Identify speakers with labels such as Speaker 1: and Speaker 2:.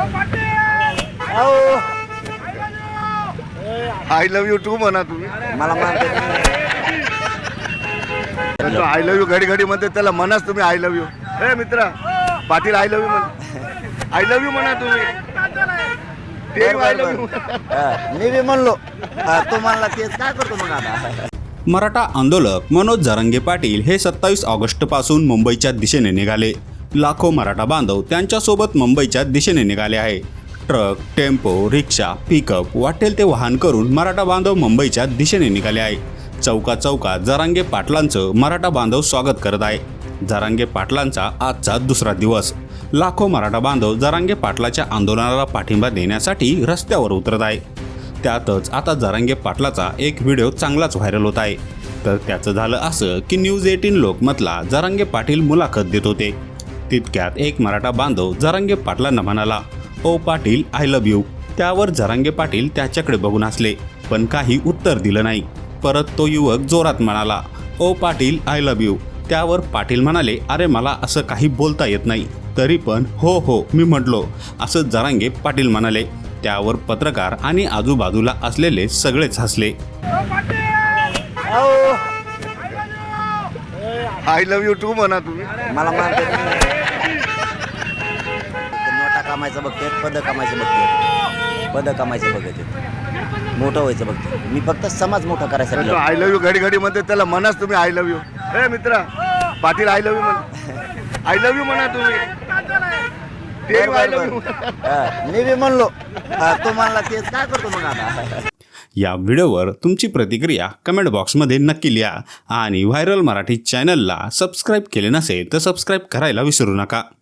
Speaker 1: I love you to म्हणा तुम्ही.
Speaker 2: मला म्हणते
Speaker 1: आय लव्ह यू घडी घडी म्हणते त्याला म्हणाच तुम्ही आय लव्ह यू. ए मित्रा पाटील आय लव्ह यू म्हणा. आय लव्ह यू म्हणा तुम्ही. ते आय लव्ह यू.
Speaker 2: मी बी म्हणलो तू म्हणला तेच काय करतो मग आता.
Speaker 3: मराठा आंदोलक मनोज जरांगे पाटील हे 27 ऑगस्टपासून मुंबईच्या दिशेने निघाले. लाखो मराठा बांधव त्यांच्यासोबत मुंबईच्या दिशेने निघाले आहे. ट्रक, टेम्पो, रिक्षा, पिकअप वाटेल ते वाहन करून मराठा बांधव मुंबईच्या दिशेने निघाले आहे. चौका चौकात जरांगे पाटलांचं मराठा बांधव स्वागत करत आहे. जरांगे पाटलांचा आजचा दुसरा दिवस. लाखो मराठा बांधव जरांगे पाटलाच्या आंदोलनाला पाठिंबा देण्यासाठी रस्त्यावर उतरत आहे. त्यातच आता जरांगे पाटलाचा एक व्हिडिओ चांगलाच व्हायरल होत आहे. तर त्याचं झालं असं की न्यूज 18 लोकमतला जरांगे पाटील मुलाखत देत होते. तितक्यात एक मराठा बांधव जरांगे पाटलांना म्हणाला, ओ पाटील आय लव्ह यू. त्यावर जरांगे पाटील त्याच्याकडे बघून हसले, पण काही उत्तर दिलं नाही. परत तो युवक जोरात म्हणाला, ओ पाटील आय लव्ह यू. त्यावर पाटील म्हणाले, अरे मला असं काही बोलता येत नाही. तरी पण हो हो मी म्हटलो असं जरांगे पाटील म्हणाले. त्यावर पत्रकार आणि आजूबाजूला असलेले सगळेच हसले.
Speaker 1: आय लव्ह यू टू म्हणा तुम्ही.
Speaker 2: मला म्हणते नोटा कामायचं बघते, पद कामायचं बघते, पद कामायचं बघते, मोठं व्हायचं बघते. मी फक्त समाज मोठा करायसाठी.
Speaker 1: आय लव्ह यू घडी घडी म्हणते त्याला म्हणाच तुम्ही आय लव्ह यू. ए मित्रा पाटील आय लव्ह यू म्हणा. आय लव्ह यू म्हणा तुम्ही. ते आय लव्ह यू.
Speaker 2: मी बी म्हणलो तू म्हणला तेच काय करतो मग आता.
Speaker 3: या व्हिडिओवर तुमची प्रतिक्रिया कमेंट बॉक्समध्ये नक्की लिहा आणि व्हायरल मराठी चॅनलला सबस्क्राईब केले नसेल तर सबस्क्राईब करायला विसरू नका.